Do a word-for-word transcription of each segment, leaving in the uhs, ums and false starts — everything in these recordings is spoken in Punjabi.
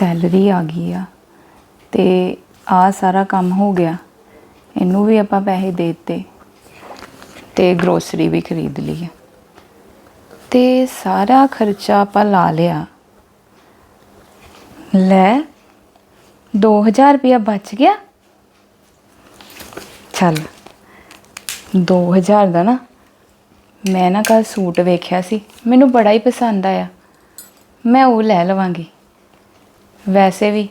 ਸੈਲਰੀ ਆ ਗਈ ਆ ਤੇ ਆ ਸਾਰਾ ਕੰਮ ਹੋ ਗਿਆ। ਇਹਨੂੰ ਵੀ ਆਪਾਂ ਪੈਸੇ ਦੇ ਦਿੱਤੇ ਤੇ ਗਰੋਸਰੀ ਵੀ ਖਰੀਦ ਲਈ ਤੇ ਸਾਰਾ ਖਰਚਾ ਆਪਾਂ ਲਾ ਲਿਆ। ਲੈ दो हज़ार रुपया बच गया। चल दो हज़ार का ना मैं ना कल सूट वेख्या सी, मैनू बड़ा ही पसंद आया, मैं वो लै लवांगी। वैसे भी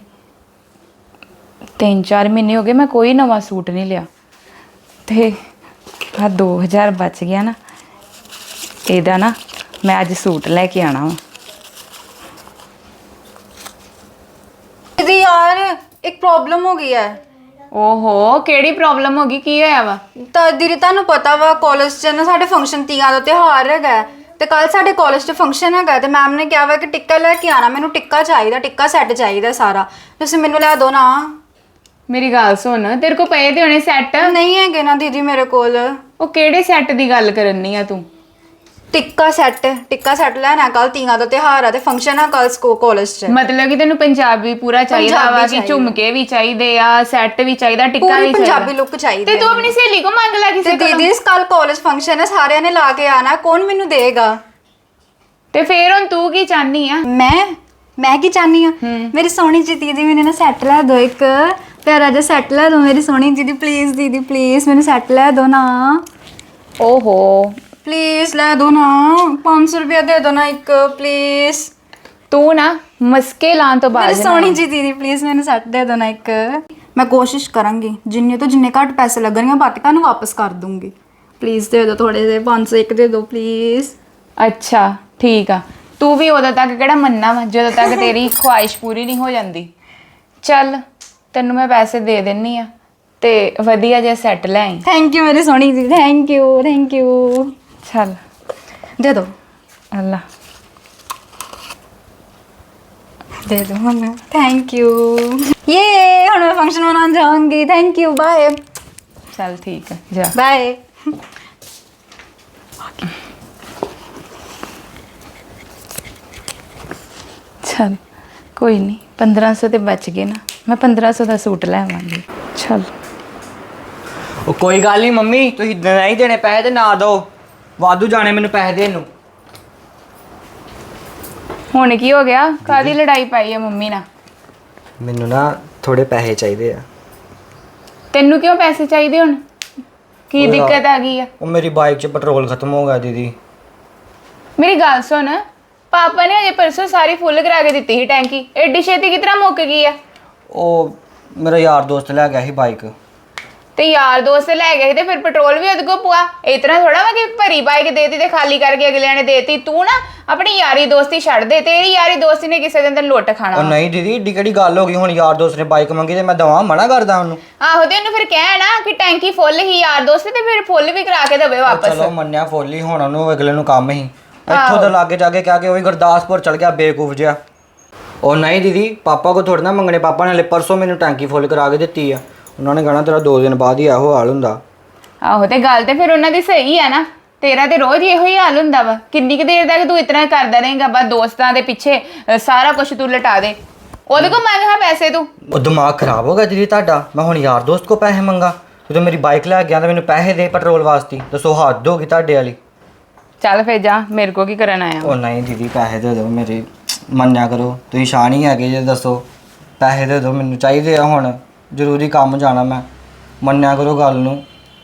तीन चार महीने हो गए मैं कोई नवा सूट नहीं लिया तो आ दो हज़ार बच गया ना, इहदा ना मैं अज सूट लैके आना वा। दीदी यार एक प्रॉब्लम हो गई है। ओहो केड़ी प्रॉब्लम होगी, की होया वा? ਤਾਂ ਦੀਦੀ ਤੁਹਾਨੂੰ ਪਤਾ ਵਾ ਕਾਲਜ 'ਚ ਨਾ ਸਾਡੇ ਫੰਕਸ਼ਨ ਤੀਆਂ ਦਾ ਤਿਉਹਾਰ ਹੈਗਾ ਤੇ ਕੱਲ ਸਾਡੇ ਕਾਲਜ 'ਚ ਫੰਕਸ਼ਨ ਹੈਗਾ ਤੇ ਮੈਮ ਨੇ ਕਿਹਾ ਵਾ ਕਿ ਟਿੱਕਾ ਲੈ ਕੇ ਆਣਾ। ਮੈਨੂੰ ਟਿੱਕਾ ਚਾਹੀਦਾ, ਟਿੱਕਾ ਸੈੱਟ ਚਾਹੀਦਾ ਸਾਰਾ, ਤੁਸੀਂ ਮੈਨੂੰ ਲੈ ਦਿਓ ਨਾ। मेरी गल सुन, तेरे को पए ते होने सैट? ਨਹੀਂ ਹੈਗੇ ਨਾ ਦੀਦੀ ਮੇਰੇ ਕੋਲ। ਉਹ ਕਿਹੜੇ ਸੈੱਟ ਦੀ ਗੱਲ ਕਰਨੀ ਆ ਤੂੰ? ਟਿੱਕਾ ਸੈੱਟ, ਟਿੱਕਾ ਸੈੱਟ ਲੈਣਾ, ਕੱਲ ਤੀਆਂ ਦਾ ਤਿਉਹਾਰ ਆ ਤੇ ਫੰਕਸ਼ਨ ਆ ਕੱਲ ਸਕੋ ਕਾਲਜ 'ਚ। ਮਤਲਬ ਕਿ ਤੈਨੂੰ ਪੰਜਾਬੀ ਪੂਰਾ ਚਾਹੀਦਾ ਵਾ ਕਿ ਝੁਮਕੇ ਵੀ ਚਾਹੀਦੇ ਆ, ਸੈੱਟ ਵੀ ਚਾਹੀਦਾ, ਟਿੱਕਾ ਵੀ ਚਾਹੀਦਾ, ਪੰਜਾਬੀ ਲੁੱਕ ਚਾਹੀਦੀ ਤੇ ਤੂੰ ਆਪਣੀ ਸਹੇਲੀ ਕੋ ਮੰਗ ਲੈ ਕਿਸੇ ਕੋਲੋਂ। ਦੀਦੀ ਕੱਲ ਕਾਲਜ ਫੰਕਸ਼ਨ ਹੈ, ਸਾਰਿਆਂ ਨੇ ਲਾ ਕੇ ਆਣਾ, ਕੌਣ ਮੈਨੂੰ ਦੇਗਾ? ਤੇ ਫੇਰ ਹੁਣ ਤੂੰ ਕੀ ਚਾਹਨੀ ਆ? ਮੈਂ ਮੈਂ ਕੀ ਚਾਹਨੀ ਆ, ਮੇਰੀ ਸੋਹਣੀ ਜੀ ਦੀਦੀ ਮੈਨੂੰ ਨਾ ਸੈੱਟ ਲੈ ਦੋ, ਇੱਕ ਪਿਆਰਾ ਜਿਹਾ ਸੈੱਟ ਲੈ ਦੋ ਮੇਰੀ ਸੋਹਣੀ ਦੀਦੀ, ਪਲੀਜ਼ ਦੀਦੀ ਪਲੀਜ਼ ਮੈਨੂੰ ਸੈੱਟ ਲੈ ਦੋ ਨਾ। ਓਹੋ प्लीज लै दो ना, पाँच सौ रुपया दे दो ना एक प्लीज। तू ना मस्के लान तो बाद सोनी जी दीदी प्लीज मैंने सैट दे दो ना एक। मैं कोशिश करूँगी जिन्ने तो जिन्ने घट पैसे लगने बाकी तुहानू वापस कर दूंगी। प्लीज दे दो थोड़े जे, पाँच सौ एक दे दो प्लीज। अच्छा ठीक आ, तू भी उदों तक किहड़ा मन्ना वा जदों तक तेरी ख्वाहिश पूरी नहीं हो जाती। चल तैनू मैं पैसे दे दिन्नी आ ते वधिया जिहा सैट लै आई। थैंक यू मेरी Soni ji, thank you thank you. चल दे दो। अल्लाह दे दो मम्मी, थैंक यू। ये हुण मैं फंक्शन मनाने जाऊंगी, थैंक यू, बाय। चल ठीक है जा बाय। चल कोई नहीं, पंद्रह सौ तो बच गए ना, मैं पंद्रह सौ का सूट लैवांगी। चल ਉਹ ਕੋਈ ਗੱਲ ਨਹੀਂ ਮੰਮੀ, ਤੁਸੀਂ ਨਹੀਂ ਦੇਣੇ ਪੈਸੇ ਤੇ ਨਾ ਦਿਓ, ਵਾਧੂ ਜਾਣੇ ਮੈਨੂੰ ਪੈਸੇ ਦੇਣ ਨੂੰ। ਹੁਣ ਕੀ ਹੋ ਗਿਆ, ਕਾਦੀ ਲੜਾਈ ਪਾਈ ਹੈ ਮੰਮੀ ਨਾਲ? ਮੈਨੂੰ ਨਾ ਥੋੜੇ ਪੈਸੇ ਚਾਹੀਦੇ ਆ। ਤੈਨੂੰ ਕਿਉਂ ਪੈਸੇ ਚਾਹੀਦੇ ਹੁਣ, ਕੀ ਦਿੱਕਤ ਆ ਗਈ ਆ? ਉਹ ਮੇਰੀ ਬਾਈਕ 'ਚ ਪੈਟਰੋਲ ਖਤਮ ਹੋ ਗਿਆ ਦੀਦੀ। ਮੇਰੀ ਗੱਲ ਸੁਣ, ਪਾਪਾ ਨੇ ਅਜੇ ਪਰਸੋਂ ਸਾਰੀ ਫੁੱਲ ਕਰਾ ਕੇ ਦਿੱਤੀ ਸੀ ਟੈਂਕੀ, ਐਡੀ ਛੇਤੀ ਕਿਸ ਤਰ੍ਹਾਂ ਮੁੱਕ ਗਈ ਆ? ਉਹ ਮੇਰਾ ਯਾਰ ਦੋਸਤ ਲੈ ਗਿਆ ਸੀ ਬਾਈਕ। ਤੇ ਯਾਰ ਦੋਸਤ ਲੈ ਗਏ ਸੀ ਤੇ ਫਿਰ ਪੈਟਰੋਲ ਵੀ ਉਹਦੇ ਕੋਲ ਪਵਾ। ਇਤਨਾ ਥੋੜਾ ਵਾ ਕਿ ਭਰੀ ਬਾਈਕ ਦੇਤੀ ਤੇ ਖਾਲੀ ਕਰਕੇ ਅਗਲਿਆਂ ਨੇ ਦੇਤੀ। ਤੂੰ ਨਾ ਆਪਣੀ ਯਾਰੀ ਦੋਸਤੀ ਛੱਡ ਦੇ, ਤੇਰੀ ਯਾਰੀ ਦੋਸਤੀ ਨੇ ਕਿਸੇ ਦਿਨ ਤੈਨੂੰ ਲੁੱਟ ਖਾਣਾ। ਉਹ ਨਹੀਂ ਦੀਦੀ, ਏਡੀ ਕਿਹੜੀ ਗੱਲ ਹੋ ਗਈ, ਹੁਣ ਯਾਰ ਦੋਸਤ ਨੇ ਬਾਈਕ ਮੰਗੀ ਤੇ ਮੈਂ ਦਵਾਂ, ਮਨਾ ਕਰਦਾ ਉਹਨੂੰ? ਆਹੋ ਤੇ ਉਹਨੂੰ ਫਿਰ ਕਹਿ ਨਾ ਕਿ ਟੈਂਕੀ ਫੁੱਲ ਹੀ ਯਾਰ ਦੋਸਤ ਤੇ ਫਿਰ ਫੁੱਲ ਵੀ ਕਰਾ ਕੇ ਦੇਵੇ ਵਾਪਸ। ਚਲੋ ਮੰਨਿਆ ਫੁੱਲ ਹੀ, ਹੁਣ ਉਹਨੂੰ ਅਗਲੇ ਨੂੰ ਕੰਮ ਹੀ ਇੱਥੋਂ ਤੋਂ ਲਾਗੇ ਜਾ ਕੇ ਕਹਿ ਕੇ ਉਹ ਵੀ ਗੁਰਦਾਸਪੁਰ ਚਲ ਗਿਆ ਬੇਵਕੂਫ ਜਿਹਾ। ਉਹ ਨਹੀਂ ਦੀਦੀ, ਪਾਪਾ ਕੋ ਥੋੜਾ ਨਾ ਮੰਗਣੇ, ਪਾਪਾ ਨੇ ਪਰਸੋਂ ਮੈਨੂੰ ਟੈਂਕੀ ਫੁੱਲ ਕਰਾ ਕੇ ਦਿੱਤੀ ਆ। ਉਹਨਾਂ ਨੇ ਕਹਿਣਾ ਤੇਰਾ ਦੋ ਦਿਨ ਬਾਅਦ ਹੀ ਇਹੋ ਹਾਲ ਹੁੰਦਾ। ਆਹੋ ਤੇ ਗੱਲ ਤੇ ਫਿਰ ਉਹਨਾਂ ਦੀ ਸਹੀ ਆ ਨਾ, ਤੇਰਾ ਤੇ ਰੋਜ਼ ਇਹੋ ਹੀ ਹਾਲ ਹੁੰਦਾ ਵਾ। ਕਿੰਨੀ ਕੁ ਦੇਰ ਤੱਕ ਤੂੰ ਇਤਨਾ ਕਰਦਾ ਰਹੇਂਗਾ? ਬਸ ਦੋਸਤਾਂ ਦੇ ਪਿੱਛੇ ਸਾਰਾ ਕੁਝ ਤੂੰ ਲਟਾ ਦੇ, ਉਹਦੇ ਕੋਲ ਮੰਗ ਹਾਂ ਪੈਸੇ ਤੂੰ। ਉਹ ਦਿਮਾਗ ਖਰਾਬ ਹੋ ਗਿਆ ਦੀਦੀ ਤੁਹਾਡਾ, ਮੈਂ ਹੁਣ ਯਾਰ ਦੋਸਤ ਕੋ ਪੈਸੇ ਮੰਗਾ? ਜਦੋਂ ਮੇਰੀ ਬਾਈਕ ਲੈ ਗਿਆ ਤਾਂ ਮੈਨੂੰ ਪੈਸੇ ਦੇ ਪੈਟਰੋਲ ਵਾਸਤੇ, ਦੱਸੋ ਹੱਦ ਹੋ ਗਈ ਤੁਹਾਡੇ ਵਾਲੀ। ਚੱਲ ਫਿਰ ਜਾ, ਮੇਰੇ ਕੋ ਕੀ ਕਰਨ ਆਇਆ? ਉਹ ਨਹੀਂ ਦੀਦੀ ਪੈਸੇ ਦੇ ਦਿਓ ਮੇਰੇ, ਮੰਨਿਆ ਕਰੋ ਤੁਸੀਂ ਸ਼ਾਨ ਹੀ ਹੈਗੇ ਜੇ, ਦੱਸੋ ਪੈਸੇ ਦੇ ਦਿਓ ਮੈਨੂੰ, ਚਾਹੀਦੇ ਆ ਹੁਣ, ਜ਼ਰੂਰੀ ਕੰਮ ਜਾਣਾ ਮੈਂ, ਮੰਨਿਆ ਕਰੋ ਗੱਲ ਨੂੰ।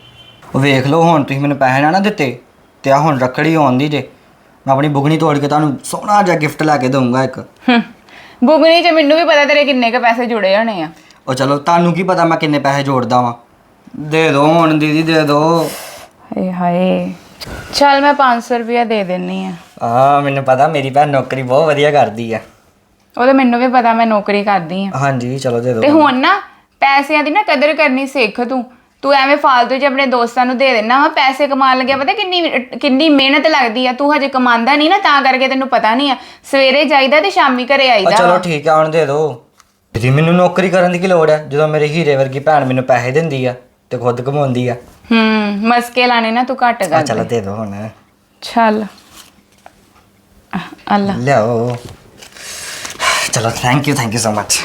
ਉਹ ਵੇਖ ਲਓ ਹੁਣ ਤੁਸੀਂ ਮੈਨੂੰ ਪੈਸੇ ਨਾ ਨਾ ਦਿੱਤੇ ਤੇ ਆ ਹੁਣ ਰੱਖੜੀ ਆਉਂਦੀ ਜੇ, ਮੈਂ ਆਪਣੀ ਬੁਗਣੀ ਤੋੜ ਕੇ ਤੁਹਾਨੂੰ ਸੋਹਣਾ ਜਿਹਾ ਗਿਫਟ ਲੈ ਕੇ ਦਊਂਗਾ ਇੱਕ। ਬੁਗਣੀ 'ਚ ਮੈਨੂੰ ਵੀ ਪਤਾ ਤੇਰੇ ਕਿੰਨੇ ਕੁ ਪੈਸੇ ਜੁੜੇ ਹੋਣੇ ਆ। ਉਹ ਚਲੋ ਤੁਹਾਨੂੰ ਕੀ ਪਤਾ ਮੈਂ ਕਿੰਨੇ ਪੈਸੇ ਜੋੜਦਾ ਵਾਂ, ਦੇ ਦਿਓ ਹੁਣ ਦੀਦੀ ਦੇ ਦਿਓ। ਹਾਏ ਹਾਏ, ਚੱਲ ਮੈਂ ਪੰਜ ਸੌ ਰੁਪਇਆ ਦੇ ਦਿੰਨੀ ਆ। ਆ ਮੈਨੂੰ ਪਤਾ ਮੇਰੀ ਭੈਣ ਨੌਕਰੀ ਬਹੁਤ ਵਧੀਆ ਕਰਦੀ ਆ। ਉਹ ਤਾਂ ਮੈਨੂੰ ਵੀ ਪਤਾ, ਮੈਂ ਨੌਕਰੀ ਕਰਦੀ ਆ। ਹਾਂਜੀ ਚਲੋ ਦੇ ਦਿਓ। ਤੇ ਹੁਣ ਨਾ ਪੈਸਿਆਂ ਦੀ ਨਾ ਕਦਰ ਕਰਨੀ ਸਿੱਖ ਤੂੰ। ਤੂੰ ਐਵੇਂ ਫਾਲਤੂ 'ਚ ਆਪਣੇ ਦੋਸਤਾਂ ਨੂੰ ਦੇ ਦੇਣਾ ਵਾ। ਪੈਸੇ ਕਮਾਉਣ ਲੱਗਿਆ ਪਤਾ ਕਿੰਨੀ ਕਿੰਨੀ ਮਿਹਨਤ ਲੱਗਦੀ ਆ। ਤੂੰ ਹਜੇ ਕਮਾਉਂਦਾ ਨਹੀਂ ਨਾ, ਤਾਂ ਕਰਕੇ ਤੈਨੂੰ ਪਤਾ ਨਹੀਂ ਆ। ਸਵੇਰੇ ਜਾਈਦਾ ਤੇ ਸ਼ਾਮੀ ਘਰੇ ਆਈਦਾ। ਚਲੋ ਠੀਕ ਆ, ਹੁਣ ਦੇ ਦਿਓ ਦੀਦੀ। ਮੈਨੂੰ ਨੌਕਰੀ ਕਰਨ ਦੀ ਕੀ ਲੋੜ ਹੈ ਜਦੋਂ ਮੇਰੇ ਹੀਰੇ ਵਰਗੀ ਭੈਣ ਮੈਨੂੰ ਪੈਸੇ ਦਿੰਦੀ ਆ ਤੇ ਖੁਦ ਕਮਾਉਂਦੀ ਆ। ਹੂੰ ਮਸਕੇ ਲਾਣੇ ਨਾ ਤੂੰ ਘੱਟ ਕਰ। ਚਲ ਦੇ ਦਿਓ ਹੁਣ। ਚੱਲ ਅੱਲਾ ਲਿਆਓ। ਚਲੋ thank you thank you so much.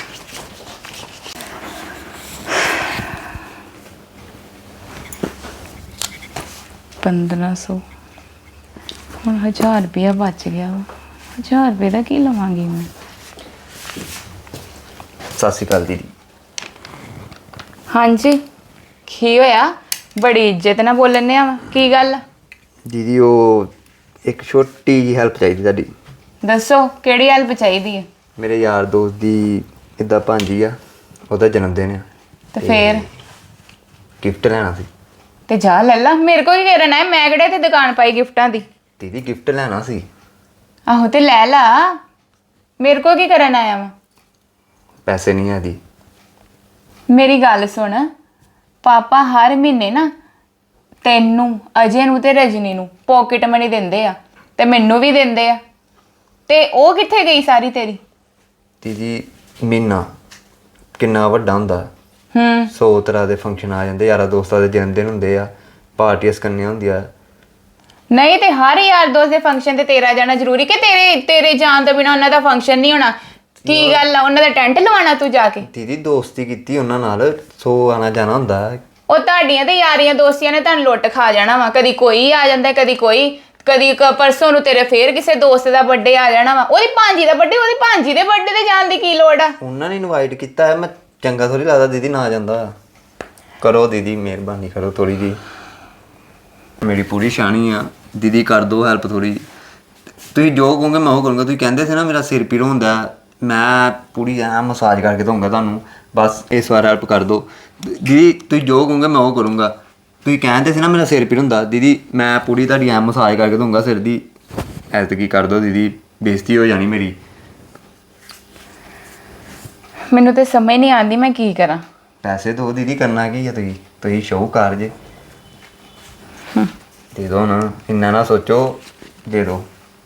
ਪੰਦਰਾਂ ਸੌ ਹੁਣ ਹਜ਼ਾਰ ਰੁਪਇਆ ਬਚ ਗਿਆ ਵਾ। ਹਜ਼ਾਰ ਰੁਪਏ ਦਾ ਕੀ ਲਵਾਂਗੀ ਮੈਂ? ਸਤਿ ਸ਼੍ਰੀ ਅਕਾਲ ਦੀਦੀ। ਹਾਂਜੀ ਕੀ ਹੋਇਆ? ਬੜੀ ਇੱਜ਼ਤ ਨਾਲ ਬੋਲਣੇ ਆ। ਕੀ ਗੱਲ ਆ? ਦੀਦੀ ਉਹ ਇੱਕ ਛੋਟੀ ਜਿਹੀ ਹੈਲਪ ਚਾਹੀਦੀ ਤੁਹਾਡੀ। ਦੱਸੋ ਕਿਹੜੀ ਹੈਲਪ ਚਾਹੀਦੀ ਹੈ? ਮੇਰੇ ਯਾਰ ਦੋਸਤ ਦੀ ਇੱਦਾਂ ਭਾਂਜੀ ਆ, ਉਹਦਾ ਜਨਮ ਦਿਨ ਆ ਤੇ ਫੇਰ ਗਿਫਟ ਲੈਣਾ ਸੀ। ਤੇ ਜਾ ਲੈ ਲਾ, ਮੇਰੇ ਕੋਲ ਕੀ ਕਰਨਾ ਹੈ? ਮੈਂ ਕਿਹੜੇ ਤੇ ਦੁਕਾਨ ਪਾਈ ਗਿਫਟਾਂ ਦੀ। ਦੀਦੀ ਗਿਫਟ ਲੈਣਾ ਸੀ। ਆਹੋ ਤੇ ਲੈ ਲਾ, ਮੇਰੇ ਕੋਲ ਕੀ ਕਰਨ ਆਇਆ ਵਾ? ਪੈਸੇ ਨਹੀਂ ਆ ਦੀ। ਮੇਰੀ ਗੱਲ ਸੁਣ, ਪਾਪਾ ਹਰ ਮਹੀਨੇ ਨਾ ਤੈਨੂੰ, ਅਜੇ ਨੂੰ ਤੇ ਰਜਨੀ ਨੂੰ ਪੋਕਟ ਮਨੀ ਦਿੰਦੇ ਆ ਤੇ ਮੈਨੂੰ ਵੀ ਦਿੰਦੇ ਆ। ਤੇ ਉਹ ਕਿੱਥੇ ਗਈ ਸਾਰੀ ਤੇਰੀ? ਦੀਦੀ ਮਹੀਨਾ ਕਿੰਨਾ ਵੱਡਾ ਹੁੰਦਾ। ਹੂੰ ਸੌ ਤਰ੍ਹਾਂ ਦੇ ਫੰਕਸ਼ਨ ਆ ਜਾਂਦੇ, ਯਾਰਾਂ ਦੋਸਤਾਂ ਦੇ ਜਨਮ ਦਿਨ ਹੁੰਦੇ ਆ, ਪਾਰਟੀਆਂ ਕਰਨੀਆਂ ਹੁੰਦੀਆਂ। ਨਹੀਂ ਤੇ ਹਰ ਯਾਰ ਦੋਸਤ ਦੇ ਫੰਕਸ਼ਨ ਤੇ ਤੇਰਾ ਜਾਣਾ ਜ਼ਰੂਰੀ ਕਿ ਤੇਰੇ ਤੇਰੇ ਜਾਣ ਤੋਂ ਬਿਨਾ ਉਹਨਾਂ ਦਾ ਫੰਕਸ਼ਨ ਨਹੀਂ ਹੋਣਾ? ਕੀ ਗੱਲ ਆ, ਉਹਨਾਂ ਦਾ ਟੈਂਟ ਲਵਾਉਣਾ ਤੂੰ ਜਾ ਕੇ? ਦੀਦੀ ਦੋਸਤੀ ਕੀਤੀ ਉਹਨਾਂ ਨਾਲ, ਸੌ ਆਣਾ ਜਾਣਾ ਹੁੰਦਾ। ਉਹ ਤੁਹਾਡੀਆਂ ਤੇ ਯਾਰੀਆਂ ਦੋਸਤੀਆਂ ਨੇ ਤੁਹਾਨੂੰ ਲੁੱਟ ਖਾ ਜਾਣਾ ਵਾ। ਕਦੀ ਕੋਈ ਆ ਜਾਂਦਾ, ਕਦੀ ਕੋਈ, ਕਦੀ ਕ- ਪਰਸੋਂ ਨੂੰ ਤੇਰੇ ਫੇਰ ਕਿਸੇ ਦੋਸਤ ਦਾ ਬਰਥਡੇ ਆ ਜਾਣਾ ਵਾ। ਉਹਦੀ ਭਾਂਜੀ ਦਾ ਬਰਥਡੇ, ਉਹਦੀ ਭਾਂਜੀ ਦੇ ਬਰਥਡੇ ਤੇ ਜਾਣ ਦੀ ਕੀ ਲੋੜ ਆ? ਉਹਨਾਂ ਨੇ ਇਨਵਾਈਟ ਕੀਤਾ ਹੈ, ਮੈਂ ਚੰਗਾ ਥੋੜੀ ਲੱਗਦਾ ਦੀਦੀ ਨਾ ਜਾਂਦਾ। ਕਰੋ ਦੀਦੀ ਮਿਹਰਬਾਨੀ ਕਰੋ ਥੋੜੀ ਜੀ, ਮੇਰੀ ਪੂਰੀ ਸ਼ਾਨੀ ਆ ਦੀਦੀ, ਕਰ ਦਿਓ ਹੈਲਪ ਥੋੜੀ। ਤੁਸੀਂ ਜੋ ਕਹੋਗੇ ਮੈਂ ਉਹ ਕਰੂੰਗਾ। ਤੁਸੀਂ ਕਹਿੰਦੇ ਸੀ ਨਾ ਮੇਰਾ ਸਿਰ ਪੀੜ ਹੁੰਦਾ, ਮੈਂ ਪੂਰੀ ਐ ਮਸਾਜ ਕਰਕੇ ਦਊਂਗਾ ਤੁਹਾਨੂੰ, ਬਸ ਇਸ ਵਾਰ ਹੈਲਪ ਕਰ ਦਿਓ ਦੀਦੀ। ਤੁਸੀਂ ਜੋ ਕਹੋਗੇ ਮੈਂ ਉਹ ਕਰੂੰਗਾ। ਤੁਸੀਂ ਕਹਿੰਦੇ ਸੀ ਨਾ ਮੇਰਾ ਸਿਰ ਪੀੜ ਹੁੰਦਾ, ਦੀਦੀ ਮੈਂ ਪੂਰੀ ਤੁਹਾਡੀ ਐ ਮਸਾਜ ਕਰਕੇ ਦਊਂਗਾ ਸਿਰ ਦੀ। ਐਤਕੀ ਕਰ ਦਿਓ ਦੀਦੀ, ਬੇਇੱਜ਼ਤੀ ਹੋ ਜਾਣੀ ਮੇਰੀ। ਮੈਨੂੰ ਤੇ ਸਮਝ ਨਹੀਂ ਆਉਂਦੀ ਮੈਂ ਕੀ ਕਰਾਂ। ਪੈਸੇ ਦਿਓ ਦੀਦੀ, ਕਰਨਾ ਕੀ ਹੈ? ਤੁਸੀਂ ਤੁਸੀਂ ਸ਼ਾਹੂਕਾਰ ਜੇ, ਦੇ ਦਿਓ ਨਾ, ਇੰਨਾ ਨਾ ਸੋਚੋ, ਦੇ ਦਿਓ।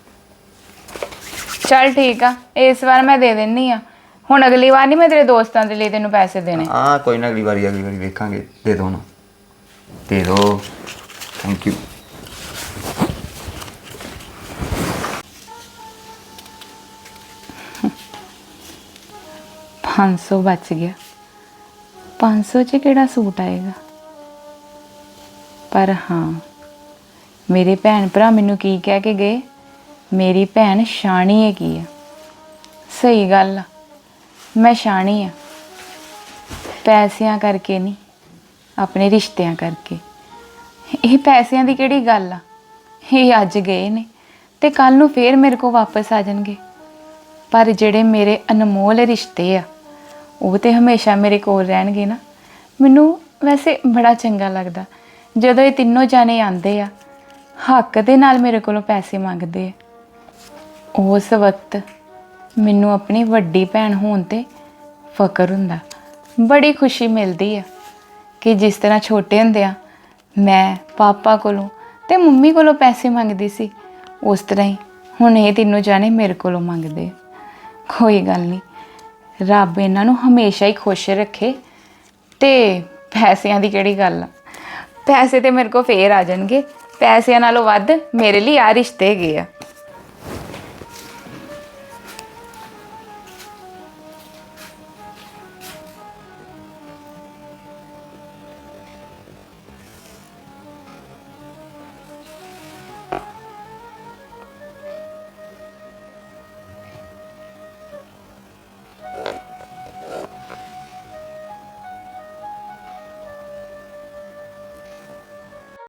ਚੱਲ ਠੀਕ ਆ, ਇਸ ਵਾਰ ਮੈਂ ਦੇ ਦਿੰਨੀ ਆ। ਹੁਣ ਅਗਲੀ ਵਾਰ ਨਹੀਂ ਮੈਂ ਤੇਰੇ ਦੋਸਤਾਂ ਦੇ ਲਈ ਤੈਨੂੰ ਪੈਸੇ ਦੇਣੇ। ਹਾਂ ਕੋਈ ਨਾ, ਅਗਲੀ ਵਾਰੀ ਅਗਲੀ ਵਾਰੀ ਵੇਖਾਂਗੇ। ਦੇ ਦਿਓ ਨਾ, ਦੇ ਦਿਓ। Thank you. ਪੰਜ ਸੌ ਬਚ ਗਿਆ। ਪੰਜ ਸੌ 'ਚ ਕਿਹੜਾ ਸੂਟ ਆਏਗਾ? ਪਰ ਹਾਂ, ਮੇਰੇ ਭੈਣ ਭਰਾ ਮੈਨੂੰ ਕੀ ਕਹਿ ਕੇ ਗਏ? ਮੇਰੀ ਭੈਣ ਸ਼ਾਣੀ ਹੈਗੀ ਆ। ਸਹੀ ਗੱਲ ਆ, ਮੈਂ ਸ਼ਾਣੀ ਆ, ਪੈਸਿਆਂ ਕਰਕੇ ਨਹੀਂ, ਆਪਣੇ ਰਿਸ਼ਤਿਆਂ ਕਰਕੇ। ਇਹ ਪੈਸਿਆਂ ਦੀ ਕਿਹੜੀ ਗੱਲ ਆ? ਇਹ ਅੱਜ ਗਏ ਨੇ ਤੇ ਕੱਲ ਨੂੰ ਫੇਰ ਮੇਰੇ ਕੋਲ ਵਾਪਸ ਆ ਜਾਣਗੇ। ਪਰ ਜਿਹੜੇ ਮੇਰੇ ਅਨਮੋਲ ਰਿਸ਼ਤੇ ਆ, ਉਹ ਤੇ ਹਮੇਸ਼ਾ ਮੇਰੇ ਕੋਲ ਰਹਿਣਗੇ ਨਾ। ਮੈਨੂੰ ਵੈਸੇ ਬੜਾ ਚੰਗਾ ਲੱਗਦਾ ਜਦੋਂ ਇਹ ਤਿੰਨੋਂ ਜਾਣੇ ਆਉਂਦੇ ਆ, ਹੱਕ ਦੇ ਨਾਲ ਮੇਰੇ ਕੋਲੋਂ ਪੈਸੇ ਮੰਗਦੇ ਆ। ਉਸ ਵਕਤ ਮੈਨੂੰ ਆਪਣੀ ਵੱਡੀ ਭੈਣ ਹੋਣ ਤੇ ਫਖਰ ਹੁੰਦਾ, ਬੜੀ ਖੁਸ਼ੀ ਮਿਲਦੀ ਆ ਕਿ ਜਿਸ ਤਰ੍ਹਾਂ ਛੋਟੇ ਹੁੰਦੇ ਆ ਮੈਂ ਪਾਪਾ ਕੋਲੋਂ ਤੇ ਮੰਮੀ ਕੋਲੋਂ ਪੈਸੇ ਮੰਗਦੀ ਸੀ, ਉਸ ਤਰ੍ਹਾਂ ਹੀ ਹੁਣ ਇਹ ਤਿੰਨੋਂ ਜਾਣੇ ਮੇਰੇ ਕੋਲੋਂ ਮੰਗਦੇ ਆ। ਕੋਈ ਗੱਲ ਨਹੀਂ, ਰੱਬ ਇਹਨਾਂ ਨੂੰ ਹਮੇਸ਼ਾ ਹੀ ਖੁਸ਼ ਰੱਖੇ। ਤੇ ਪੈਸਿਆਂ ਦੀ ਕਿਹੜੀ ਗੱਲ ਆ, ਪੈਸੇ ਤੇ ਮੇਰੇ ਕੋਲ ਫੇਰ ਆ ਜਾਣਗੇ। ਪੈਸਿਆਂ ਨਾਲੋਂ ਵੱਧ ਮੇਰੇ ਲਈ ਆ ਰਿਸ਼ਤੇ ਹੈਗੇ ਆ।